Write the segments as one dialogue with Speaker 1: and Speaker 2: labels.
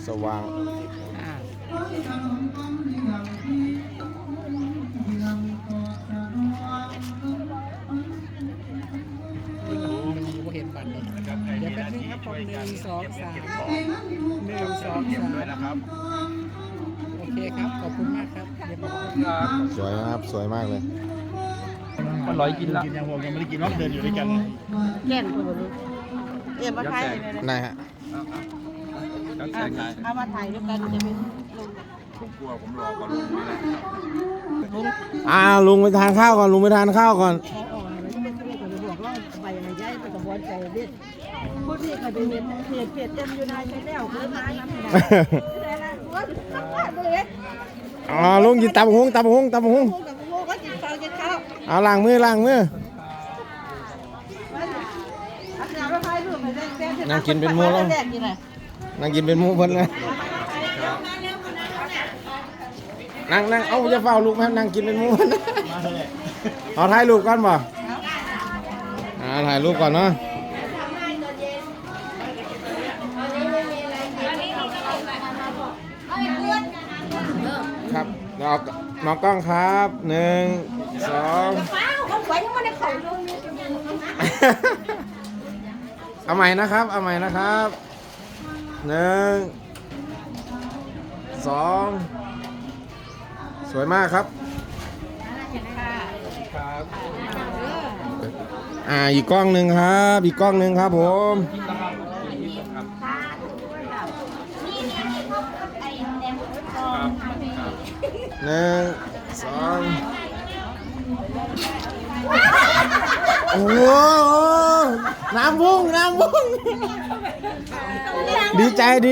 Speaker 1: สว่าง
Speaker 2: เห็นบัตรเดี๋ยวแป๊บนึงครับผม1 2 3 1 2 3
Speaker 3: นะครับ
Speaker 2: โอเคครับขอบคุณมากครับเดี๋ยวผม
Speaker 1: สวยนะครับสวยมากเลย
Speaker 3: มันร้อยกินแล้วกินยังผมยังไม่ได้กินน้องเดินอยู่ด้วยกัน
Speaker 4: แก่นคนรู้เอ็มมาถ่ายเลย
Speaker 1: ได้ฮะ
Speaker 4: เอามาถ่ายด้วยกันจะเป็น
Speaker 3: ผมกลัวผมรอก่อนลุงนี่แหละ
Speaker 1: ลุงไปทานข้าวก่อนลุงไปทานข้าวก่อน
Speaker 4: แค่ออกอะไรไม่ต้องไปบอกว่าไปอะไรย้ายไปกระบวนใจเด็ดพูดที่ใครไปเห็นเพจเต็มอยู่ในชแนลเพิ่มมาน้ำหนักแต่ละว่าเลย
Speaker 1: ลุงกินตับหงตับหงตับหง
Speaker 4: กับโมก็กินข้าวกินข้าว
Speaker 1: เอาล้างมือล้างมือนั่งกินเป็นหมูแล้วนั่งกินเป็นหมูเพิ่นเลยนั่งเอาจะเฝ้าลูกแม่นั่งกินเป็นหมูเอาถ่ายรูปก่อนบ่ถ่ายรูปก่อนเนาะครับน้องกล้องครับ1 2เอาใหม่นะครับเอาใหม่นะครับ1 2สวยมากครับอีกกล้องหนึ่งครับอีกกล้องหนึ่งครับผม1 2โอ้โหน้ำพุ่งดีใจได้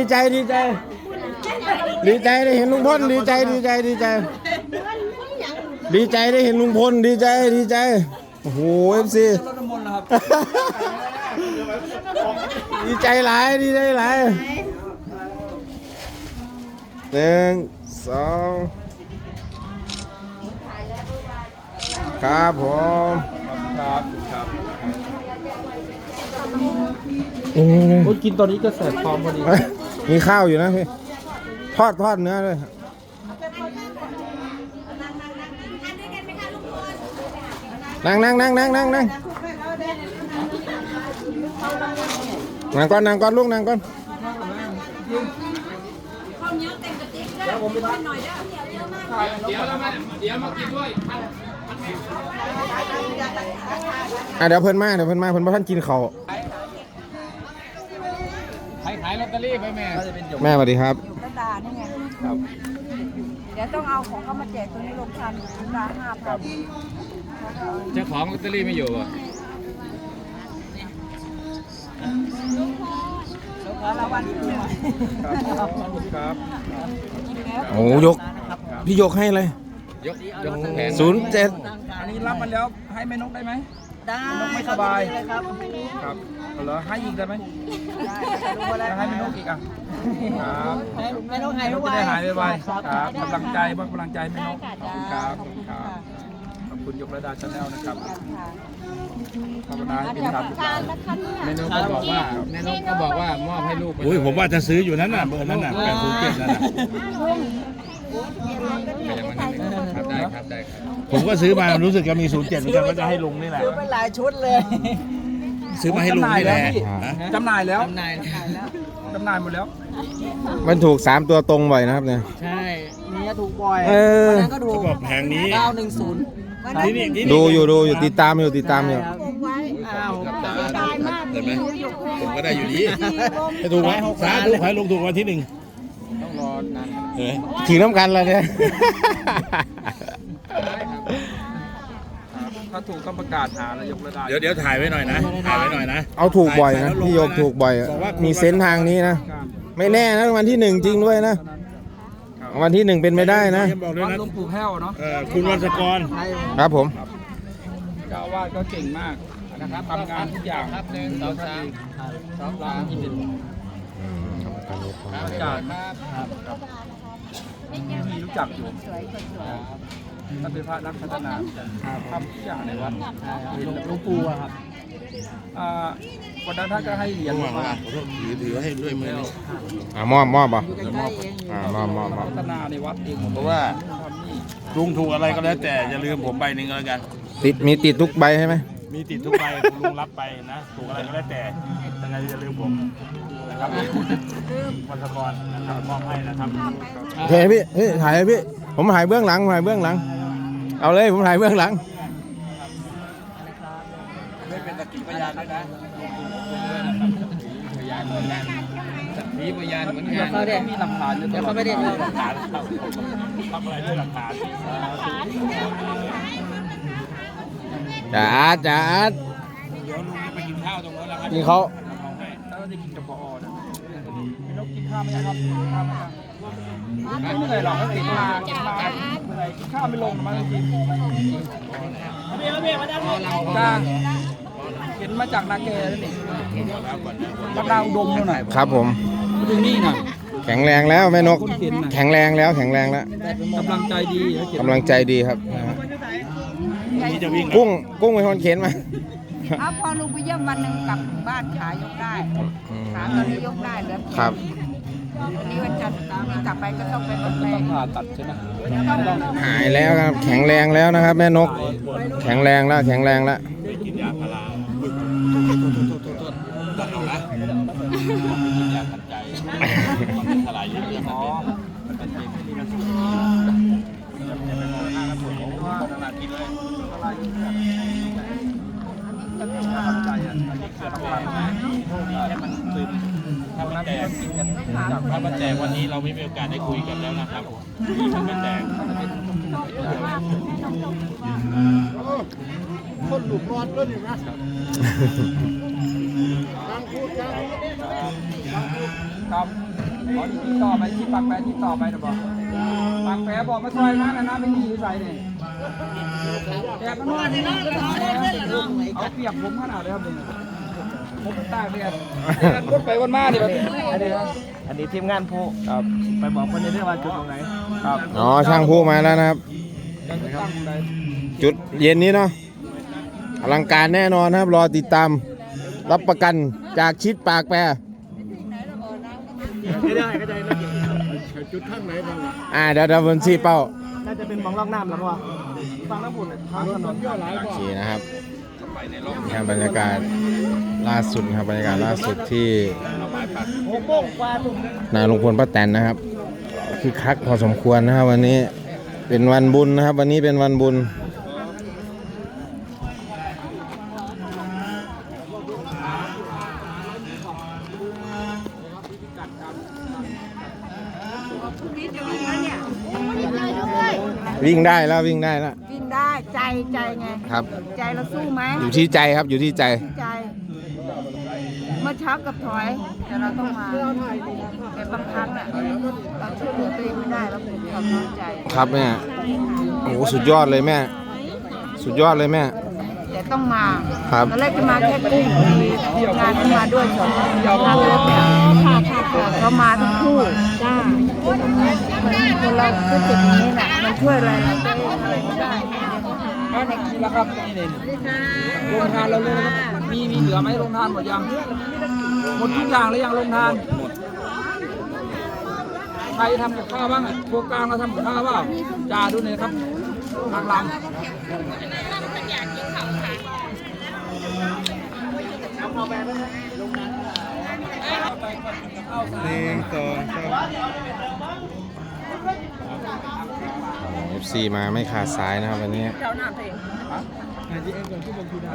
Speaker 1: เห็นลุงพลดีใจได้เห็นลุงพลดีใจโอ้โหFC ดีใจหลาย1 2ครับผม
Speaker 3: ครับ
Speaker 1: ครับ
Speaker 3: กินตอนนี้ก็แสบท้องพอดี
Speaker 1: มีข้าวอยู่นะพี่ทอดเนื้อด้วยนั่งก่อนลูกนั่งก่อน
Speaker 3: เดี๋ยวมากินด้วย
Speaker 1: เดี๋ยวเพิ่นมาเพิ่นบ่ทันกินข้าว
Speaker 3: ขายลอตเตอรี่ไปแม่
Speaker 1: แม่สวัสดีครับ
Speaker 4: อยู่กระดาษนี่ไงเดี๋ยวต้องเอาของเขามาแจกตรงนี้ลงทันราคา5,000
Speaker 3: เจ้าของลอตเตอรี่ไม่อยู่อ่ะ
Speaker 4: รางวัลที่1
Speaker 3: ครับ
Speaker 1: โอ้ยกพี่ยกให้เลย
Speaker 3: ยกแผน
Speaker 1: 07
Speaker 3: อันนี้รับมาแล้วให้แม่นกได้ไหม
Speaker 4: ได้
Speaker 3: นกไม่สบาย
Speaker 4: เลยครับ
Speaker 3: ครับเหรอให้อีกได้ไหม
Speaker 4: ได้
Speaker 3: ให้แม่นกอีกอ่ะครับ
Speaker 4: ไม่ต้องหาย
Speaker 3: จะ
Speaker 4: ไว
Speaker 3: ได้หายไวๆครับกำลังใจบ้างกำลังใจแม่นกขอบคุณครับขอบคุณยกระดาชาแนลนะครับภาวนาให้เป็นธรรมแม่นกก็บอกว่ามอบให้ลูก
Speaker 5: อุ้ยผมว่าจะซื้ออยู่นั้นน่ะเบอร์นั้นน่ะ807นั่นน่ะ
Speaker 3: ครับได้ครับ
Speaker 5: ผมก็ซื้อมารู้สึกจะมี07เหมือนกันก็จะให้ลุงนี่แหละ
Speaker 4: ซื้อเป็นหลายชุดเลย
Speaker 5: ซื้อมาให้ลุงนี่แหละ
Speaker 3: จำหน่ายแล้ว
Speaker 4: จำหน่าย
Speaker 3: หมดแล้ว
Speaker 1: มันถูก3ตัวตรงบ่อยนะครับเนี่ย
Speaker 4: ใช่นี่ถูกบ่อย
Speaker 1: วัน
Speaker 4: นั้นก็ถูก
Speaker 5: บอกแผงนี้
Speaker 4: 910
Speaker 5: นี่
Speaker 1: ดูอยู่ติดตามอยู่
Speaker 4: อ้าว
Speaker 5: เห็นไหมผมก็ได้อยู่ดีให้ถูกไหมสาธุให้ลุงถูกวันที่1
Speaker 3: ต้องรอนาน
Speaker 1: ถึงน้ำกันแล้วเนี่ย
Speaker 3: ถ้าถูกก็ประกาศหาแล้วยกระดา
Speaker 5: เดี๋ยวถ่ายไว้หน่อยนะ
Speaker 1: เอาถูกบ่อยนะพี่โยกถูกบ่อยมีเซนส์ทางนี้นะไม่แน่นะวันที่1จริงด้วยนะวันที่1เป็นไม่ได้นะ
Speaker 5: บอกด้วย
Speaker 3: วัด
Speaker 5: นะ
Speaker 3: หลวงปู่แพ้วเนาะ
Speaker 5: คุณวันสกร
Speaker 1: ครับผม
Speaker 3: เจ้าอาวาสก็เก่งมากนะครับทำงานทุกอย่างครับ1 2 3ซ้อมร้านที่เป็นอาจารย์มีรู้จักอยู่ท่านเป็นพระนักพัฒนาทำทุกอย่างในวัดหลวงปู่ครับวันนั้นท่านก็ให้เหรียญมา
Speaker 5: ถือให้ด้วยมือนี่
Speaker 1: มอบป่ะ มอบ
Speaker 3: พัฒนาในวัดเอง
Speaker 5: เพราะว่าลุงถูกอะไรก็แล้วแต่อย่าลืมผมใบหนึ่งก็แล้วกัน
Speaker 1: มีติดทุกใบใช่ไหม
Speaker 5: มีติดทุกใบคุณลุงรับไปนะถูกอะไรก็แล้วแต่ยังไงอย่าลืมผมนะครับวัชกรนะครับมอบให้นะครับ
Speaker 1: โอเคพี่ถ่ายให้พี่ผมถ่ายเบื้องหลังเอาเลยผมถ่ายเบื้องหลัง
Speaker 5: ไม่เป็นสักขีพยานด้วยนะพยานเหมือนกันมีพยานเหมือนกัน
Speaker 3: เขาได้มีหลักฐานเดี๋ยวเขาไม่ได้
Speaker 5: หลักฐานทำอะไรด้วยหลักฐาน
Speaker 1: จ๋า
Speaker 5: เดี๋ยวลุงจะไปกินข้าวตรงนั้นแล้วครับ
Speaker 1: นี่เขา
Speaker 3: ถ้าได้กินกับพอนะนกกินข้าวไหมครับกินข้าวไหมครับไม่เหนื่อยหรอกก็กินมาเหนื่อยกินข้าวไม่ลงมาจริงจ้าเห็นมาจากนาเกแล้วนี่วัดนาอุดมเท่าไหร่
Speaker 1: ครับผม
Speaker 3: มาถึงนี่นะ
Speaker 1: แข็งแรงแล้วแม่นก
Speaker 3: คนเข็นนะ
Speaker 1: แข็งแรงแล้ว
Speaker 3: กำลังใจดี
Speaker 1: กำลังใจดีครับ
Speaker 5: นี่จะวิ่ง
Speaker 1: กุ้งเป็นคนเข็นมา
Speaker 4: เอาพอลุงไปเยี่ยมวันหนึ่งกลับถึงบ้านขายกได้ขาตอนนี้ยกได้เหลือ
Speaker 1: ครับ
Speaker 4: วันนี้วันจันทร์นี่กลับไปก็ต้องไปรถแม่
Speaker 3: ต้องผ่าตัดใช่ไหม
Speaker 1: หายแล้วครับ แข็งแรงแล้วนะครับ แม่นก แข็งแรงแล้ว
Speaker 5: กินยาพาราตัดเอานะกินยาขัดใจมันทลายเยอะๆอ๋อมันเป็นไม่ดีนะจะไปมองหน้าแล้วปวดหัวตลาดกินเลยใจอ่ะอันนี้เกิดอะไรนะให้มันซึมถ้ามันแตกถ้ามันแตกวันนี้เราไม่มีโอกาสได้คุยกันแล้วนะครับมันไม่แตก
Speaker 2: คนหลุดรอดด้วยนี่นะ
Speaker 3: ครับขอที่ต่อไปที่ปากแปรที่ต่อไปนะบอกปากแปรบอกมาซอยนะนะไม่มีใส่เนี่ยแกก็นอนนี่นะเอาเปรียบผมขนาดเลยครับเนี่ยผมตากเนี่ยรถไปวันมาเนี่ยแบบอันนี้ทีมงานผู้ครับไปบอกคนในเรื่องว่าจุดตรงไหนครับ
Speaker 1: อ๋อ ช่างผู้มาแล้วนะครับ จุดเย็นนี้เนาะอลังการแน่นอนนะครับ รอติดตามรับประกันจากชิดปากแปร
Speaker 2: ไม่ได้ก็ได้นะจุดข้างไหนบ้าง
Speaker 1: เดี๋ยวบนซีเป้า
Speaker 2: น่าจะเป็นมองล่องน้ำแล้วว่าฟังน้ำบุญทางถนนย่อหลาย
Speaker 1: โอเคนะครับนี่ครับบรรยากาศล่าสุดครับบรรยากาศล่าสุดที่
Speaker 2: 6 โมงกว่าลุง
Speaker 1: นาลุงพลป้าแตนนะครับคือคักพอสมควรนะครับ วันนี้เป็นวันบุญนะครับ วันนี้เป็นวันบุญวิ่งได้แล้ววิ่งได้แล้ว
Speaker 4: วิ่งได้ใจไง
Speaker 1: ครับ
Speaker 4: ใจเราสู้ไหม
Speaker 1: อยู่ที่ใจครับอยู่ที่ใจ
Speaker 4: ใจเมื่อเช้ากับถอยแต่เราต้องมาแต่บางครั้งน่ะเราช่วยเหลือตัวเองไม่ได้เราเป็นความน้อยใจ
Speaker 1: ครับแม่โอ้โหสุดยอดเลยแม่ สุดยอดเลยแม่
Speaker 4: แต่ต้องมา
Speaker 1: ครับ
Speaker 4: ตอนแรกจะมาแค่กุ้งมีงานที่มาด้วยสองนั่งรถเนี่ยเขามาทั้งคู่จ้าคนเราก็เจ็บอย่างนี้แหละมันช่วยอะไรเราได้อะไรไม่ได้
Speaker 3: นี่แหละครับนี่เลยโรงทานเราเลยนะครับมีเหลือไหมโรงทานหมดยังหมดทุกอย่างแล้วยังโรงทานใครทำกับข้าวบ้างพวกกลางเราทำกับข้าวเปล่าจ่าดูหน่อยครับทางหลัง
Speaker 1: FC มาไม่ขาดสายนะครับวันนี้
Speaker 4: เจ้าหน้าเพลง